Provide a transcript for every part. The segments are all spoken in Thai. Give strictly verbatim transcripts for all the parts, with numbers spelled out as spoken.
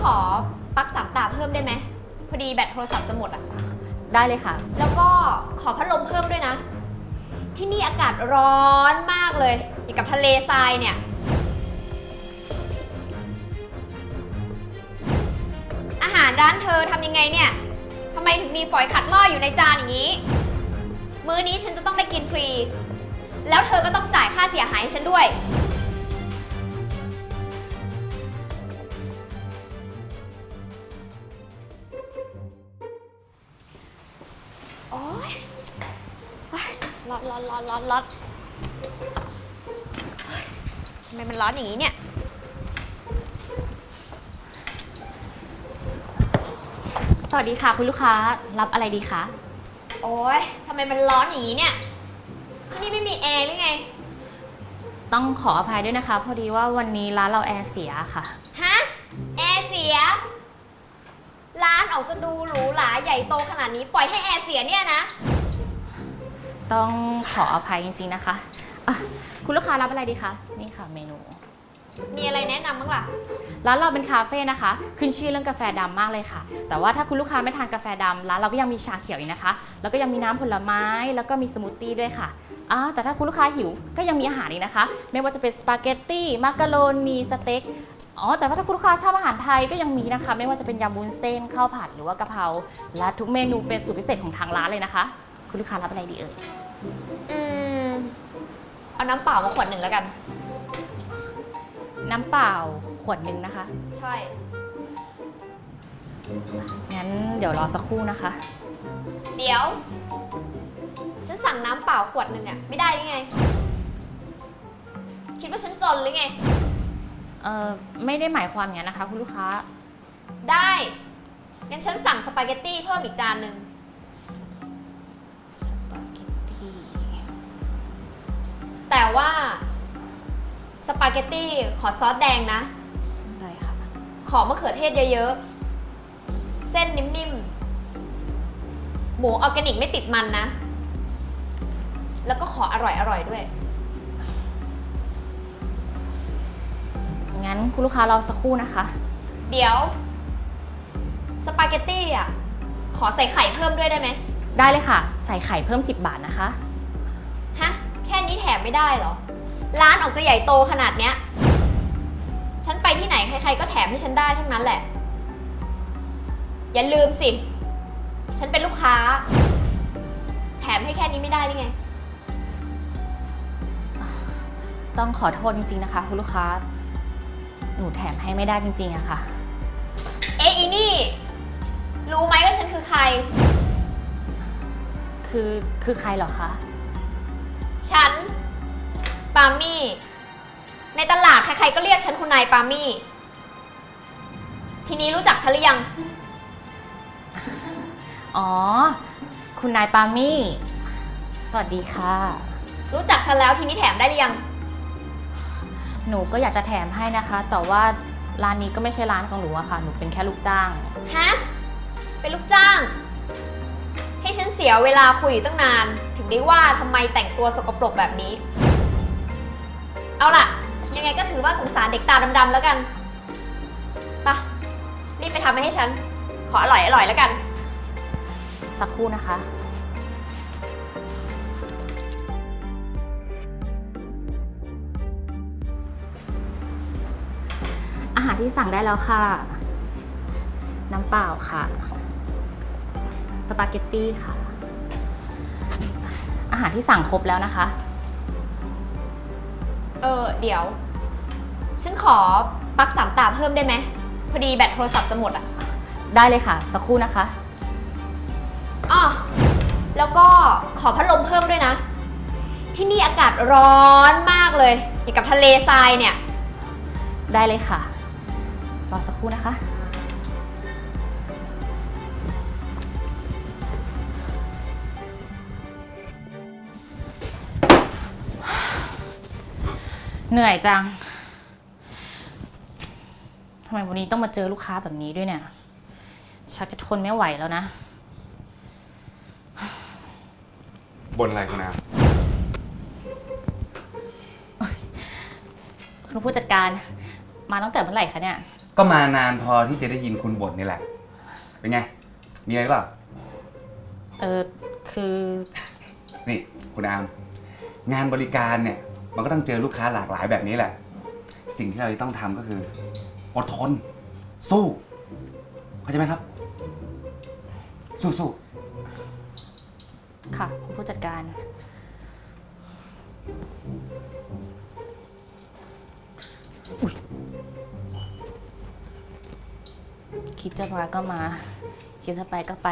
ขอปลั๊กสามตาเพิ่มได้ไหมพอดีแบตโทรศัพท์จะหมดอ่ะได้เลยค่ะแล้วก็ขอพัดลมเพิ่มด้วยนะที่นี่อากาศร้อนมากเลยอย่างกับทะเลทรายเนี่ยอาหารร้านเธอทำยังไงเนี่ยทำไมถึงมีฝอยขัดหม้ออยู่ในจานอย่างนี้มื้อนี้ฉันจะต้องได้กินฟรีแล้วเธอก็ต้องจ่ายค่าเสียหายให้ฉันด้วยโอ๊ยร้อนร้อนร้อนร้อนร้อนทำไมมันร้อนอย่างนี้เนี่ยสวัสดีค่ะคุณลูกค้ารับอะไรดีคะโอ๊ยทำไมมันร้อนอย่างนี้เนี่ยที่นี่ไม่มีแอร์หรือไงต้องขออภัยด้วยนะคะพอดีว่าวันนี้ร้านเราแอร์เสียค่ะฮะแอร์เสียร้านออกจะดูหรูหราใหญ่โตขนาดนี้ปล่อยให้แอร์เสียเนี่ยนะต้องขออภัยจริงๆนะคะะคุณลูกค้ารับอะไรดีคะนี่ค่ะเมนูมีอะไรแนะนำบ้างล่ะร้านเราเป็นคาเฟ่นะคะขึ้นชื่อเรื่องกาแฟดำมากเลยค่ะแต่ว่าถ้าคุณลูกค้าไม่ทานกาแฟดำร้านเราก็ยังมีชาเขียวอีกนะคะแล้วก็ยังมีน้ำผลไม้แล้วก็มีสมูทตี้ด้วยค่ะอ่าแต่ถ้าคุณลูกค้าหิวก็ยังมีอาหารอีกนะคะไม่ว่าจะเป็นสปาเกตตี้มักกะโรนีสเต็กอ๋อแต่ว่าถ้าคุณลูกค้าชอบอาหารไทยก็ยังมีนะคะไม่ว่าจะเป็นยำวุ้นเส้นข้าวผัดหรือว่ากะเพราและทุกเมนูเป็นสูตรพิเศษของทางร้านเลยนะคะคุณลูกค้ารับอะไรดีเอ่ยอืมเอาน้ำเปล่ามาขวดหนึ่งแล้วกันน้ำเปล่าขวดหนึ่งนะคะใช่งั้นเดี๋ยวรอสักครู่นะคะเดี๋ยวฉันสั่งน้ำเปล่าขวดหนึ่งอะไม่ได้หรือไงคิดว่าฉันจนหรือไงเอ่อไม่ได้หมายความอย่างนั้นนะคะคุณลูกค้าได้งั้นฉันสั่งสปาเกตตี้เพิ่มอีกจานหนึ่งสปาเกตตี้แต่ว่าสปาเกตตี้ขอซอสแดงนะได้ค่ะขอมะเขือเทศเยอะๆเส้นนิ่มๆหมูออร์แกนิกไม่ติดมันนะแล้วก็ขออร่อยๆด้วยงั้นคุณลูกค้ารอสักครู่นะคะเดี๋ยวสปาเกตตี้อ่ะขอใส่ไข่เพิ่มด้วยได้ไหมได้เลยค่ะใส่ไข่เพิ่มสิบบาทนะคะฮะแค่นี้แถมไม่ได้เหรอร้านออกจะใหญ่โตขนาดเนี้ยฉันไปที่ไหนใครๆก็แถมให้ฉันได้ทั้งนั้นแหละอย่าลืมสิฉันเป็นลูกค้าแถมให้แค่นี้ไม่ได้หรือไงต้องขอโทษจริงๆนะคะคุณลูกค้าหนูแถมให้ไม่ได้จริงๆอะค่ะเอ๊ะอีนี่รู้ไหมว่าฉันคือใครคือคือใครเหรอคะฉันปามี่ในตลาดใครๆก็เรียกฉันคุณนายปามี่ทีนี้รู้จักฉันหรือยังอ๋อคุณนายปามี่สวัสดีค่ะรู้จักฉันแล้วทีนี้แถมได้หรือยังหนูก็อยากจะแถมให้นะคะแต่ว่าร้านนี้ก็ไม่ใช่ร้านของหนูอะค่ะหนูเป็นแค่ลูกจ้างฮะเป็นลูกจ้างให้ฉันเสียเวลาคุยอยู่ตั้งนานถึงได้ว่าทำไมแต่งตัวสกปรกแบบนี้เอาล่ะยังไงก็ถือว่าสงสารเด็กตาดำๆแล้วกันไปรีบไปทำมาให้ฉันขออร่อยอร่อยแล้วกันสักครู่นะคะอาหารที่สั่งได้แล้วค่ะน้ำเปล่าค่ะสปาเกตตี้ค่ะอาหารที่สั่งครบแล้วนะคะเออเดี๋ยวฉันขอปลั๊กสามตาเพิ่มได้ไหมพอดีแบตโทรศัพท์จะหมดอ่ะได้เลยค่ะสักครู่นะคะอ๋อแล้วก็ขอพัดลมเพิ่มด้วยนะที่นี่อากาศร้อนมากเลยอย่างกับทะเลทรายเนี่ยได้เลยค่ะรอสักครู่นะคะเหนื่อยจังทำไมวันนี้ต้องมาเจอลูกค้าแบบนี้ด้วยเนี่ยชักจะทนไม่ไหวแล้วนะบนอะไรคุณอาคุณผู้จัดการมาตั้งแต่เมื่อไหร่คะเนี่ยก็มานานพอที่จะได้ยินคุณบ่นนี่แหละ เป็นไง มีอะไรเปล่าเออคือนี่คุณอาม งานบริการเนี่ย มันก็ต้องเจอลูกค้าหลากหลายแบบนี้แหละ สิ่งที่เราจะต้องทำก็คือ อดทน สู้ เข้าใจไหมครับ สู้สู้ค่ะคุณผู้จัดการอุ๊ยคิดจะมาก็มา คิดจะไปก็ไป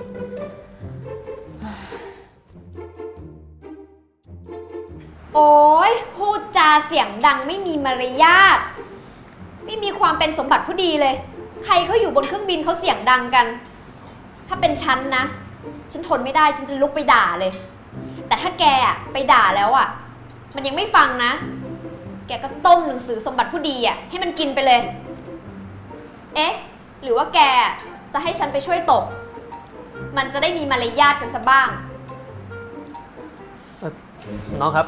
โอ้ยพูดจาเสียงดังไม่มีมารยาท ไม่มีความเป็นสมบัติผู้ดีเลย ใครเขาอยู่บนเครื่องบินเขาเสียงดังกัน ถ้าเป็นฉันนะ ฉันทนไม่ได้ฉันจะลุกไปด่าเลย แต่ถ้าแกอะไปด่าแล้วอะมันยังไม่ฟังนะ แกก็ต้มหนังสือสมบัติผู้ดีอะให้มันกินไปเลย เอ๊ะ หรือว่าแกจะให้ฉันไปช่วยตบ มันจะได้มีมารยาทกันซะบ้างเอ่อน้องครับ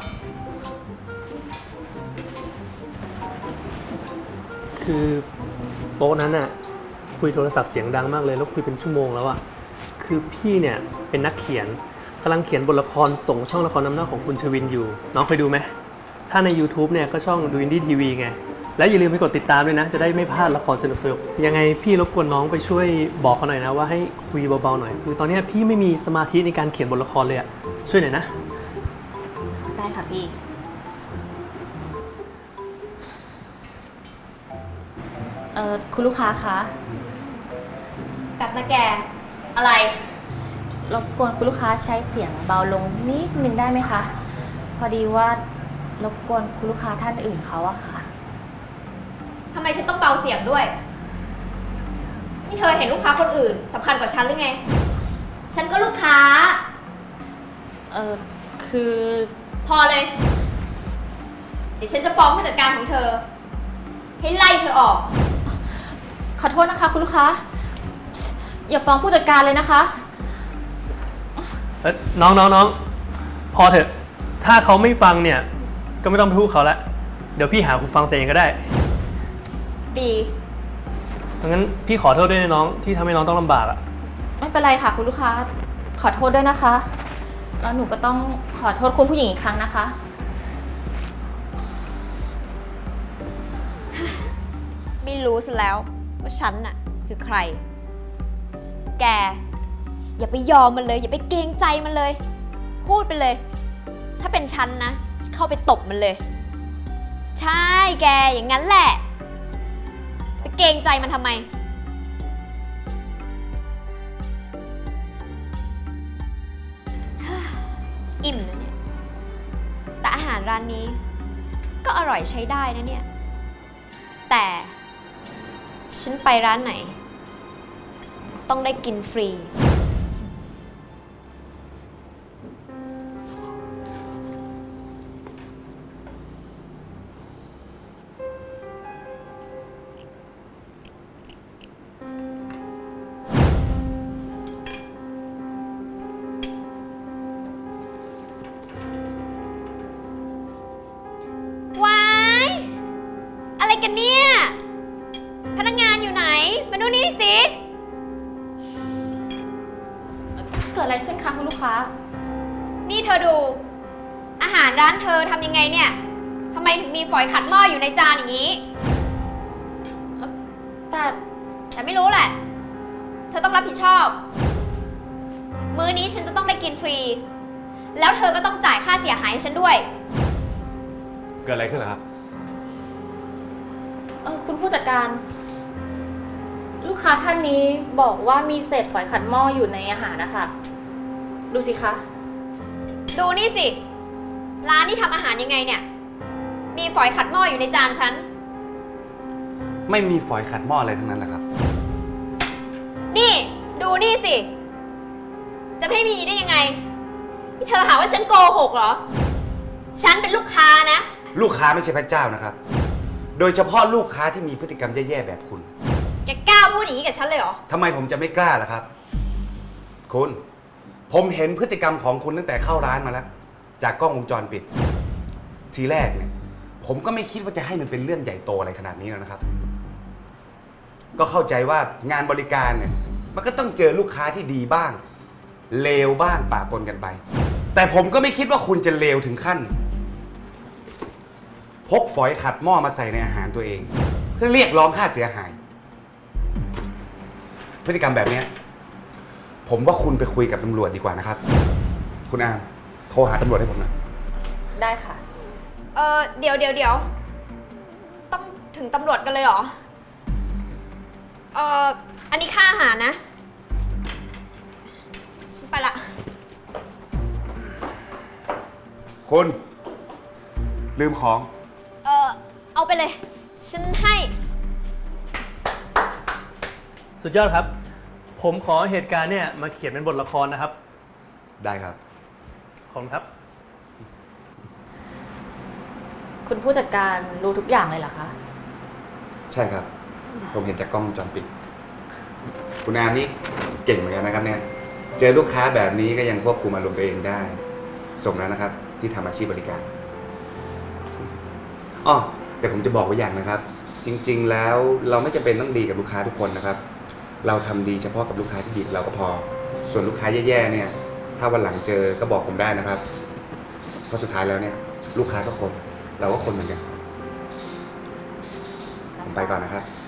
คือโต๊ะนั้นน่ะคุยโทรศัพท์เสียงดังมากเลยแล้วคุยเป็นชั่วโมงแล้วอะคือพี่เนี่ยเป็นนักเขียนกำลังเขียนบทละครส่งช่องละครน้ำหน้าของคุณชวินอยู่ น้องเคยดูไหมถ้าใน YouTube เนี่ยก็ช่องดูอินดี้ทีวีไงและอย่าลืมไปกดติดตามด้วยนะจะได้ไม่พลาดละครสนุกๆยังไงพี่รบกวนน้องไปช่วยบอกเขาหน่อยนะว่าให้คุยเบาๆหน่อยคือตอนนี้พี่ไม่มีสมาธิในการเขียนบทละครเลยอะช่วยหน่อยนะได้ค่ะพี่ เอ่อคุณลูกค้าคะแบบนะแก อะไรรบกวนคุณลูกค้าใช้เสียงเบาลงนิดนึงได้ไหมคะ พอดีว่ารบกวนคุณลูกค้าท่านอื่นเขาอะค่ะทำไมฉันต้องเบาเสียงด้วย นี่เธอเห็นลูกค้าคนอื่นสำคัญกว่าฉันหรือไง ฉันก็ลูกค้าเอ่อ คือพอเลย เดี๋ยวฉันจะฟ้องผู้จัดการของเธอ ให้ไล่เธอออกขอโทษนะคะคุณลูกค้า อย่าฟ้องผู้จัดการเลยนะคะเอ้ยน้องน้องน้องพอเถอะ ถ้าเขาไม่ฟังเนี่ย ก็ไม่ต้องไปพูดเขาละเดี๋ยวพี่หาหูฟังเองก็ได้ดีงั้นพี่ขอโทษด้วยนะน้องที่ทำให้น้องต้องลำบากอะไม่เป็นไรค่ะคุณลูกค้า ขอโทษด้วยนะคะ แล้วหนูก็ต้องขอโทษคุณผู้หญิงอีกครั้งนะคะไม่รู้ซะแล้วว่าฉันน่ะคือใคร แก อย่าไปยอมมันเลย อย่าไปเกรงใจมันเลย พูดไปเลย ถ้าเป็นฉันนะเข้าไปตบมันเลย ใช่แกอย่างนั้นแหละไปเกรงใจมันทำไม อิ่มนะเนี่ย แต่อาหารร้านนี้ ก็อร่อยใช้ได้นะเนี่ย แต่ฉันไปร้านไหน ต้องได้กินฟรี ว้าย อะไรกันเนี่ย พนักงานอยู่ไหน มาดูนี่สิเกิดอะไรขึ้นคะคุณลูกค้านี่เธอดู อาหารร้านเธอทำยังไงเนี่ยทำไมถึงมีฝอยขัดหม้ออยู่ในจานอย่างนี้แต่แต่ไม่รู้แหละ เธอต้องรับผิดชอบ มื้อนี้ฉันจะต้องได้กินฟรี แล้วเธอก็ต้องจ่ายค่าเสียหายให้ฉันด้วยเกิดอะไรขึ้นเหรอครับเออคุณผู้จัดการ ลูกค้าท่านนี้บอกว่ามีเศษฝอยขัดหม้ออยู่ในอาหารนะคะ ดูสิคะดูนี่สิ ร้านที่ทำอาหารยังไงเนี่ย มีฝอยขัดหม้ออยู่ในจานฉันไม่มีฝอยขัดหม้ออะไรทั้งนั้นแหละครับนี่ดูนี่สิ จะไม่มีได้ยังไงที่เธอหาว่าฉันโกหกเหรอ ฉันเป็นลูกค้านะลูกค้าไม่ใช่พระเจ้านะครับ โดยเฉพาะลูกค้าที่มีพฤติกรรมแย่ๆแบบคุณแกกล้าพูดอย่างนี้กับฉันเลยเหรอทำไมผมจะไม่กล้าล่ะครับ คุณ ผมเห็นพฤติกรรมของคุณตั้งแต่เข้าร้านมาแล้ว จากกล้องวงจรปิด ทีแรกเนี่ย ผมก็ไม่คิดว่าจะให้มันเป็นเรื่องใหญ่โตอะไรขนาดนี้แล้วนะครับก็เข้าใจว่างานบริการเนี่ยมันก็ต้องเจอลูกค้าที่ดีบ้าง เลวบ้างปะปนกันไป แต่ผมก็ไม่คิดว่าคุณจะเลวถึงขั้น พกฝอยขัดหม้อมาใส่ในอาหารตัวเอง เพื่อเรียกร้องค่าเสียหาย พฤติกรรมแบบเนี้ยผมว่าคุณไปคุยกับตำรวจดีกว่านะครับ คุณอามโทรหาตำรวจให้ผมหนะได้ค่ะเออเดี๋ยวเดี๋ยวเดี๋ยวต้องถึงตำรวจกันเลยเหรอ เอออันนี้ค่าอาหารนะ ฉันไปละคุณลืมของเออเอาไปเลย ฉันให้สุดยอดครับ ผมขอเหตุการณ์เนี่ยมาเขียนเป็นบทละครนะครับได้ครับขอบคุณครับคุณผู้จัดการรู้ทุกอย่างเลยเหรอคะใช่ครับ ผมเห็นจากกล้องวงจรปิด คุณอามนี่เก่งเหมือนกันนะครับเนี่ย เจอลูกค้าแบบนี้ก็ยังควบคุมอารมณ์ตัวเองได้ สมแล้วนะครับ ที่ทำอาชีพบริการอ๋อแต่ผมจะบอกไว้อย่างนะครับ จริงๆแล้วเราไม่จำเป็นต้องดีกับลูกค้าทุกคนนะครับ เราทำดีเฉพาะกับลูกค้าที่ดีกับเราก็พอ ส่วนลูกค้าแย่ๆเนี่ย ถ้าวันหลังเจอก็บอกผมได้นะครับ เพราะสุดท้ายแล้วเนี่ย ลูกค้าก็คน เราก็คนเหมือนกัน ผมไปก่อนนะครับ